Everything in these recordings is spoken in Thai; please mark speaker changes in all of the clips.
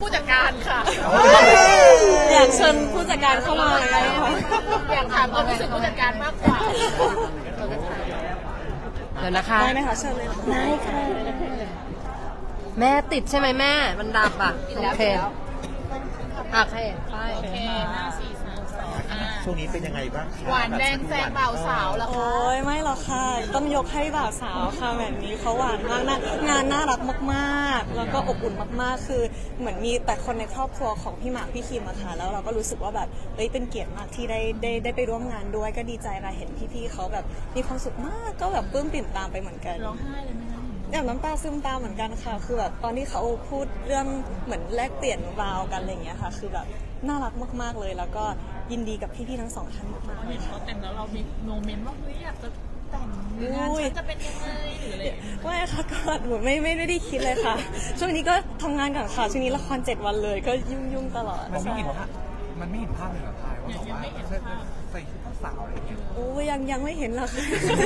Speaker 1: ผู้จัดการค่ะ
Speaker 2: อยากเชิญผู้จัดการเข้ามาเลยค่ะ
Speaker 1: อยากถามความรู้สึกผู้จัดการมากกว่า
Speaker 3: เดี๋ยวนะคะ
Speaker 2: ได้ไหมคะเชิญเลย
Speaker 3: ได้ค่ะแม่ติดใช่ไหมแม่มันดับอ่ะโอเคโอเคไป
Speaker 1: โอเค5 4 3 2
Speaker 4: ช่วงนี้เป็นยังไงบ้าง
Speaker 1: หวานแดงแซงบ่าวสาวแล้วค่ะ
Speaker 2: โอ้ยไม่หรอกค่ะต้องยกให้บ่าวสาวค่ะแบบนี้เขาหวานมากนะงานน่ารักมากๆแล้วก็อบอุ่นมากๆคือเหมือนมีแต่คนในครอบครัวของพี่หมากพี่คิมอะค่ะแล้วเราก็รู้สึกว่าแบบเป็นเกียรติมากที่ได้ไปร่วมงานด้วยก็ดีใจค่ะเห็นพี่ๆเขาแบบมีความสุขมากก็แบบปลื้มปิ่มตามไปเหมือนกัน
Speaker 1: ร้องไห้เลยไหมคะ
Speaker 2: อย่างน้ำตาซึมตามเหมือนกันค่ะคือแบบตอนที่เขาพูดเรื่องเหมือนแลกเปลี่ยนราวกันอะไรอย่างเงี้ยค่ะคือแบบน่ารักมากๆเลยแล้วก็ยินดีกับพี่ๆทั้งสองท่านมากๆ
Speaker 1: เห็นเขาแต่งแล้วเรามีโมเมนต์ว่าเฮ้ยอยากจะแต่งงานฉันจะเป็นยังไงหรืออะไร
Speaker 2: ไม่ค่ะก็หนูไม่ได้คิดเลยค่ะช่วงนี้ก็ทำงานก่อนค่ะช่วงนี้ละคร7 วันเลยก็ยุ่งตลอด
Speaker 4: มันไม่เห็นภาพเลยเหรอทายว่าแบบว่าใส่ชุดเจ้าสาวอะไรอย่างเงี้ย
Speaker 2: โอ้ยังไม่เห็นหรอก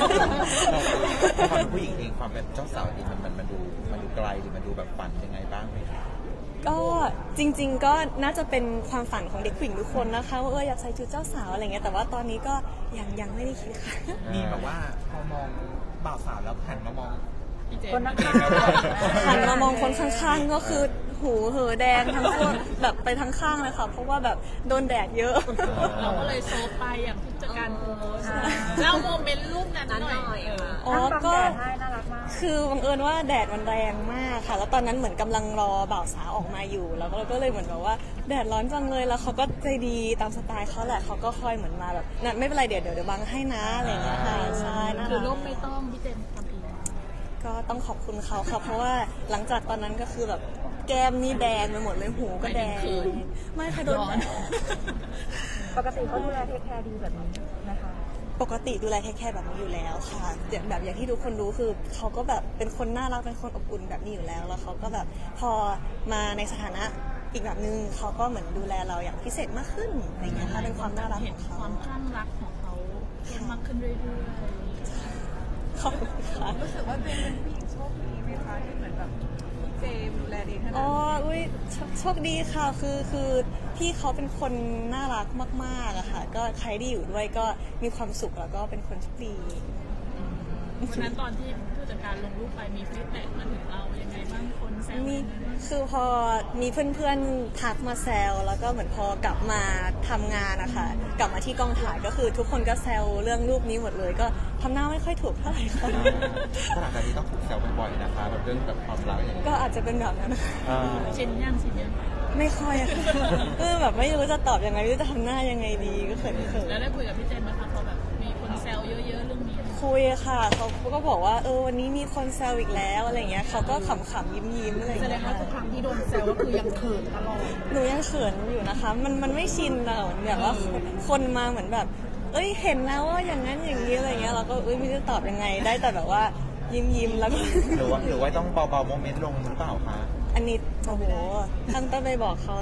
Speaker 4: ความผู้หญิงเองความเป็นเจ้าสาวเองมันดูไกลหรือมันดูแบบฝันยังไงบ้างไหม
Speaker 2: ก็จริงๆก็น่าจะเป็นความฝันของเด็กผู้หญิงทุกคนนะคะว่าอยากใส่ชุดเจ้าสาวอะไรเงี้ยแต่ว่าตอนนี้ก็ยังไม่ได้คิดค่ะ
Speaker 4: มีแบบว่าพอมองบ่าวสาวแล้วหันมามอง
Speaker 1: คนนั่ง
Speaker 2: หันมามองคนข้างๆก็คือหูเหอแดงทั้งตัวแบบไปทั้งข้างเลยค่ะเพราะว่าแบบโดนแดดเยอะ
Speaker 1: เราก็เลยโซฟไปอย่างผู้จัดการโพสเล่าโมเมนต์รูปนั้นหน่อย
Speaker 2: อ๋อก็คือบังเอิญว่าแดดมันแรงมากค่ะแล้วตอนนั้นเหมือนกำลังรอบ่าวสาวออกมาอยู่แล้วก็เลยเหมือนแบบว่าแดดร้อนจังเลยแล้วเขาก็ใจดีตามสไตล์เขาแหละเขาก็คอยเหมือนมาแบบนั่นไม่เป็นไรเดี๋ยวบังให้นะอะไรอย่างเงี้ยค่ะใช่นะ
Speaker 1: คือรูปไม่ต้องพี่เจมทำเอง
Speaker 2: ก็ต้องขอบคุณเขาค่ะเพราะว่าหลังจากตอนนั้นก็คือแบบแก้มนี่แดงไปหมดเลยหูก็แดงไม่ค่ะโดน
Speaker 5: ปกติเขาดูแลเทคแคร์ดีแบบนี้นะคะ
Speaker 2: ปกติดูแลแค่แบบนี้อยู่แล้วค่ะแบบอย่างที่ทุกคนรู้คือเขาก็แบบเป็นคนน่ารักเป็นคนอบอุ่นแบบนี้อยู่แล้วแล้วเขาก็แบบพอมาในสถานะอีกแบบนึงเขาก็เหมือนดูแลเราอย่างพิเศษมากขึ้นอะไรเงี้ยค่ะเป็นความน่ารักของเขา
Speaker 1: ความคลั่งรักของเขาเพิ่มมากขึ้นเรื่อยๆ
Speaker 2: ขอบคุณค่ะ
Speaker 5: รู้สึกว่าเป็นผู้หญิงโชคดีไหมคะที่เหมือนแบบเจมดูแลดีขนาดนี้
Speaker 2: อุ้ยโชคดีค่ะคือพี่เขาเป็นคนน่ารักมากๆอะค่ะก็ใครที่อยู่ด้วยก็มีความสุขแล้วก็เป็นคนโชคดี
Speaker 1: วันนั้นตอนที่ผู้จัดการลงรูปไปมีฟีดแบ็กมาถึงเรายังไงบ้างคนแซว
Speaker 2: คือพอมีเพื่อนๆทักมาแซวแล้วก็เหมือนพอกลับมาทำงานนะคะกลับมาที่กองถ่ายก็คือทุกคนก็แซวเรื่องรูปนี้หมดเลยก็ทำหน้าไม่ค่อยถูกเท่าไหร่ค่ะ
Speaker 4: ขนาดนี้ต้องถูกแซวบ่อยๆนะคะแบบเรื่องแบบความรักอย่างนี้
Speaker 2: ก็อาจจะเป็นแบบนั้น
Speaker 1: ชินยัง
Speaker 2: ไม่ค่อยอะแบบไม่รู้จะตอบยังไงไม่รู้จะทำหน้ายังไงดีก็เขิน
Speaker 1: แล้วได้คุยกับพี่เจนไหมคะพอแบบมีคนแซวเยอะๆเรื่องนี้
Speaker 2: คุยค่ะเขาก็บอกว่าวันนี้มีคนแซวอีกแล้วอะไรเงี้ยเขาก็ขำๆยิ้มๆอะไร
Speaker 1: แสดงว่าทุกครั้งที่โดนแซวก็คือยังเขินตลอด
Speaker 2: หนูยังเขินอยู่นะคะมันไม่ชินเราแบบว่าคนมาเหมือนแบบเห็นแล้วว่าอย่างนั้นอย่างนี้อะไรเงี้ยเราก็ไม่รู้จะตอบยังไงได้แต่แบบว่ายิ้มแล้วก็
Speaker 4: หรือว่าต้องเบาๆโมเมนต์ลงหรือเปล่าคะ
Speaker 2: อันนี้โอ้โหต้องไปบอกเขา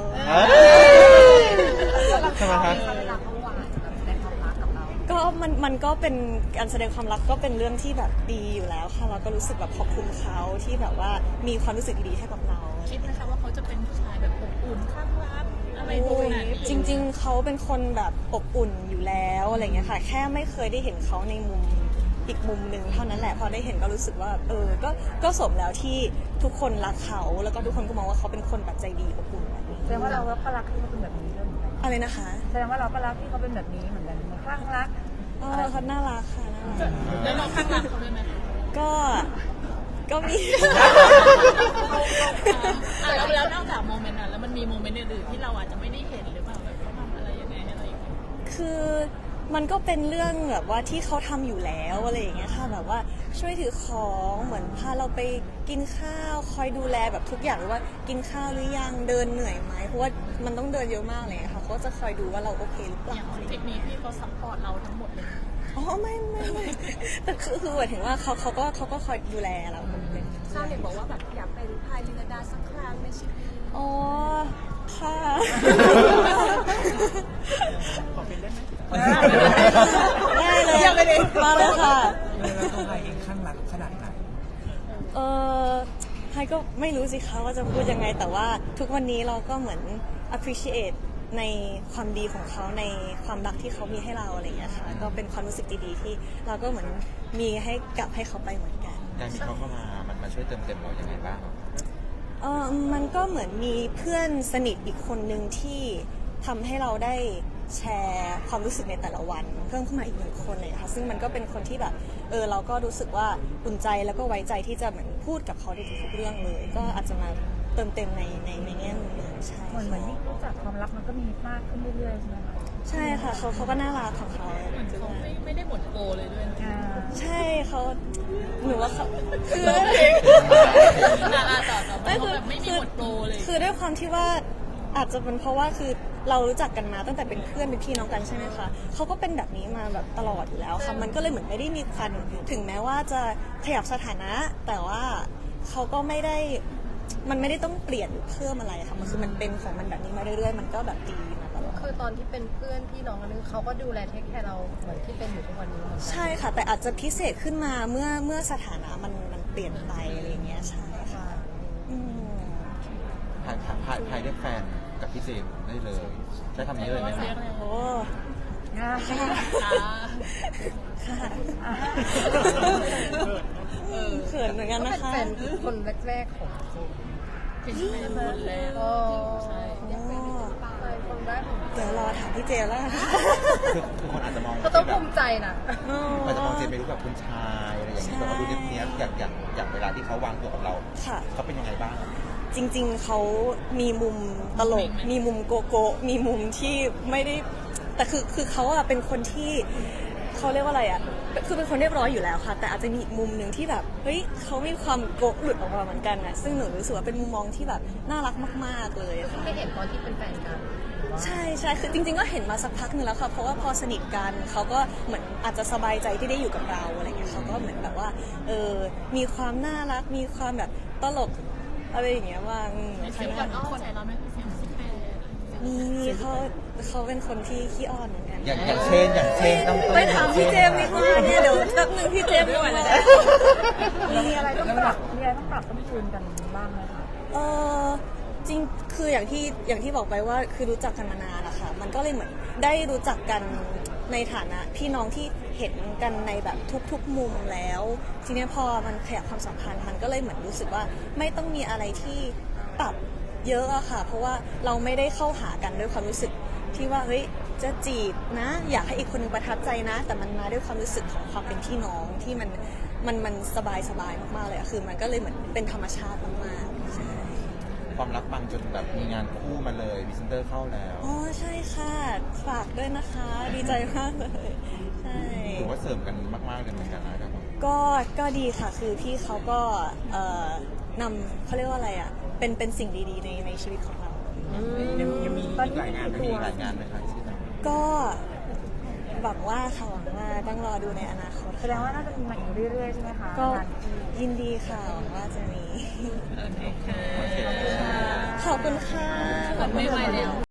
Speaker 4: ใช่ไหมคะ
Speaker 2: ก็มันก็เป็นการแสดงความรักก็เป็นเรื่องที่แบบดีอยู่แล้วค่ะเราก็รู้สึกแบบขอบคุณเขาที่แบบว่ามีความรู้สึกดีให้กับเรา
Speaker 1: คิดไหมคะว่าเขาจะเป็นผู้ชายแบบอบอุ่นข้างรักอะไรพวกนั้น
Speaker 2: จริงๆเขาเป็นคนแบบอบอุ่นอยู่แล้วอะไรเงี้ยค่ะแค่ไม่เคยได้เห็นเขาในมุมอีกมุมหนึ่งเท่านั้นแหละพอได้เห็นก็รู้สึกว่าก็สมแล้วที่ทุกคนรักเขาแล้วก็ทุกคนก็มองว่าเขาเป็นคนแบบใจดีอบอุ่นแบบนี้
Speaker 5: แสดงว่าเราก็รักที่เขาเป็นแบบนี้ด้วยเหมือนกัน
Speaker 2: อะไรนะคะ
Speaker 5: แสดงว่าเราก็รักที่เขาเป็นแบบนี้เหมือนกันคลั่งรัก
Speaker 2: เขาน่ารักค่ะน่ารัก
Speaker 1: แล้วเราคลั่งรักเขาด้วยไหม
Speaker 2: ก็มี
Speaker 1: แล้วนอกจากโมเมนต์นั้นแล้วมันมีโมเมนต์อื่นๆที่เราอาจจะไม่ได้เห็นหรือเปล่าแบบเขาทำอะไรยังไงอะไรอย่างเงี้ย
Speaker 2: คือมันก็เป็นเรื่องแบบว่าที่เขาทำอยู่แล้วอะไรอย่างเงี้ยค่ะแบบว่าช่วยถือของเหมือนพาเราไปกินข้าวคอยดูแลแบบทุกอย่างหรือว่ากินข้าวหรือยังเดินเหนื่อยไหมเพราะว่ามันต้องเดินเยอะมากเลยค่ะเขาจะคอยดูว่าเราโอเคหรือเปล่า
Speaker 1: ทริปนี้พี่เขาซัพพอร์ตเราทั้งหมดเลย
Speaker 2: ไม่แต่คือหมายถึงว่าเขาก็คอยดูแลเรา
Speaker 5: ชาวเน็ตบอกว่าแบบอยากเป็นพายลินดาสักครั้งในชีวิต
Speaker 2: ค่ะ
Speaker 4: ขอเป็นได้ไหม
Speaker 2: ได้เลยมาเลยค่ะ
Speaker 4: แล้วตัวไฮเองข้างรักขนาดไหน
Speaker 2: ไฮก็ไม่รู้สิคะว่าจะพูดยังไงแต่ว่าทุกวันนี้เราก็เหมือน appreciate ในความดีของเขาในความรักที่เขามีให้เราอะไรอย่างเงี้ยค่ะก็เป็นความรู้สึกดีๆที่เราก็เหมือนมีให้กลับให้เขาไปเหมือนกัน
Speaker 6: การมีเขาเข้ามามันมาช่วยเติมเต็มเรายังไงบ้าง
Speaker 2: มันก็เหมือนมีเพื่อนสนิทอีกคนหนึ่งที่ทำให้เราได้แชร์ความรู้สึกในแต่ละวันเพิ่มขึ้นมาอีกหนึ่งคนเลยค่ะซึ่งมันก็เป็นคนที่แบบเราก็รู้สึกว่าอุ่นใจแล้วก็ไว้ใจที่จะเหมือนพูดกับเขาในทุกๆเรื่องเลย ก็อาจจะมาเติมเต็มในแง่มุมนึงใช่
Speaker 5: เหมือนยิ่งรู้จักความรักมันก็มีมากขึ้นเรื่อยๆใช่ไหมคะ
Speaker 2: ใช่ค่ะเขาก็น่ารักของเขา
Speaker 1: เหมือนเขาไม่ได้หมดโปรเลยด้วยนะ
Speaker 2: ใช่เขาหนูว่าเขาคือ
Speaker 1: ต่อเขาแบบไม่มีหมดโปรเลย
Speaker 2: คือด้วยความที่ว่าอาจจะเป็นเพราะว่าคือเรารู้จักกันมาตั้งแต่เป็นเพื่อนเป็นพี่น้องกันใช่ไหมคะเขาก็เป็นแบบนี้มาแบบตลอดอยู่แล้วค่ะมันก็เลยเหมือนไม่ได้มีคันถึงแม้ว่าจะขยับสถานะ แต่ว่าเขาก็ไม่ได้มันไม่ได้ต้องเปลี่ยนหรือเพิ่มอะไรค่ะมันคือมันเป็นของมันแบบนี้มาเรื่อยๆมันก็แบบดีมาตลอด
Speaker 3: คือตอนที่เป็นเพื่อนพี่น้องกันนึงเขาก็ดูแลเทคแคร์เราเหมือนที่เป็นอยู่ทุกวันนี้เหมือนกัน
Speaker 2: ใช่ค่ะแต่อาจจะพิเศษขึ้นมาเมื่อสถานะมันเปลี่ยนไปอะไรอย่างเงี้ยใช่ค่ะอืม
Speaker 6: พายเรียกแฟนกับพี่เจมส์ได้เลยใช้คำนี้เลยไหมคะ
Speaker 2: โอ้
Speaker 1: ค่ะ
Speaker 2: ค่ะเขินเหมือนกัน
Speaker 3: ก็
Speaker 2: นะ
Speaker 3: เป็น
Speaker 2: คะ
Speaker 3: แฟนคนแรกๆของเจมส์
Speaker 1: เป็นคนแรก
Speaker 3: โอ้
Speaker 1: ใช่
Speaker 3: แฟนคนแรกของ
Speaker 2: เดี๋ยวรอถามพี่เจแล้วกัน
Speaker 6: คือคนอาจจะมอง
Speaker 3: ก็ต้องภูมิใจนะ
Speaker 6: อาจจะมองเจมส์เป็นรูปแบบคุณชายอะไรอย่างนี้แต่ว่าดูเนี้ยอย่างเวลาที่เขาวางตัวกับเรา
Speaker 2: ค่ะ
Speaker 6: เขาเป็นยังไงบ้าง
Speaker 2: จริงๆ เขามีมุมตลก มีมุมโกโก้ มีมุมที่ไม่ได้ แต่คือเขาอะเป็นคนที่เขาเรียกว่าอะไรอะคือเป็นคนเรียบร้อยอยู่แล้วค่ะ แต่อาจจะมีอีกมุมหนึ่งที่แบบ เฮ้ยเขามีความโกะหลุดออกมาเหมือนกันอะซึ่งหนูรู้สึกว่าเป็นมุมมองที่แบบน่ารักมากๆเลยค่ะ
Speaker 3: ไม่เห็นตอนที่เป็นแฟนกัน
Speaker 2: ใช่ใช่คือจริงๆ ก็เห็นมาสักพักหนึงแล้วค่ะ เพราะว่าพอสนิทกันเขาก็เหมือนอาจจะสบายใจที่ได้อยู่กับเราอะไรเงี้ยเขาก็เหมือนแบบว่า มีความน่ารัก มีความแบบตลกอะไรอย่างเงี้ยว่าง
Speaker 1: เสียงคนอ้อนใจเราไหมเสียงซิกแพค
Speaker 2: มีเขาเป็นคนที่ขี้อ้อนเหมือนกัน
Speaker 6: อย่างเช่นต้อง
Speaker 2: ไปถามพี่เจมส์ดีกว่าเนี่ยเดี๋ยวแป๊บนึงพี่เจมส์ก่อนนะ
Speaker 5: มีอะไรต้องปรับต้องจูนกันบ้างไหมคะ
Speaker 2: จริงคืออย่างที่บอกไปว่าคือรู้จักกันมานานอะค่ะมันก็เลยเหมือนได้รู้จักกันในฐานะพี่น้องที่เห็นกันในแบบทุกๆมุมแล้ว ทีเนี้ยพอมันขยับความสัมพันธ์มันก็เลยเหมือนรู้สึกว่าไม่ต้องมีอะไรที่ปรับเยอะอะค่ะ เพราะว่าเราไม่ได้เข้าหากันด้วยความรู้สึกที่ว่าเฮ้ยจะจีบนะ อยากให้อีกคนนึงประทับใจนะ แต่มันมาด้วยความรู้สึกของความเป็นพี่น้องที่มันสบายมากๆเลยอะคือมันก็เลยเหมือนเป็นธรรมชาติมากๆใช่
Speaker 6: ความรักปังจนแบบมีงานคู่มาเลยพรีเซนเตอร์เข้าแล้ว
Speaker 2: อ๋อใช่ค่ะฝากด้วยนะคะ ดีใจมากเลยใช่
Speaker 6: ถือว่าเสริมกันมากๆเลยเหมือนกันนะครับผม
Speaker 2: ก็ดีค่ะคือพี่เขาก็นำเขาเรียกว่าอะไรอ่ะเป็นสิ่งดีๆในชีวิตของเรา
Speaker 6: ยังมีอีกหลายงานมีหลายงานไหมคะที่จะ
Speaker 2: ก็หวังว่าค่ะหวังว่าต้องรอดูในอนาคต
Speaker 5: แสดงว่าน่าจะมีมาอีกเรื่อยๆใช่ไหมคะ
Speaker 2: ก็
Speaker 5: งานที่
Speaker 2: ยินดีค่ะหวังว่าจะมี
Speaker 1: โอเคค่ะ
Speaker 6: โอเค
Speaker 2: ขอบคุณค่ะ
Speaker 1: แบบไม่ไหวแล้ว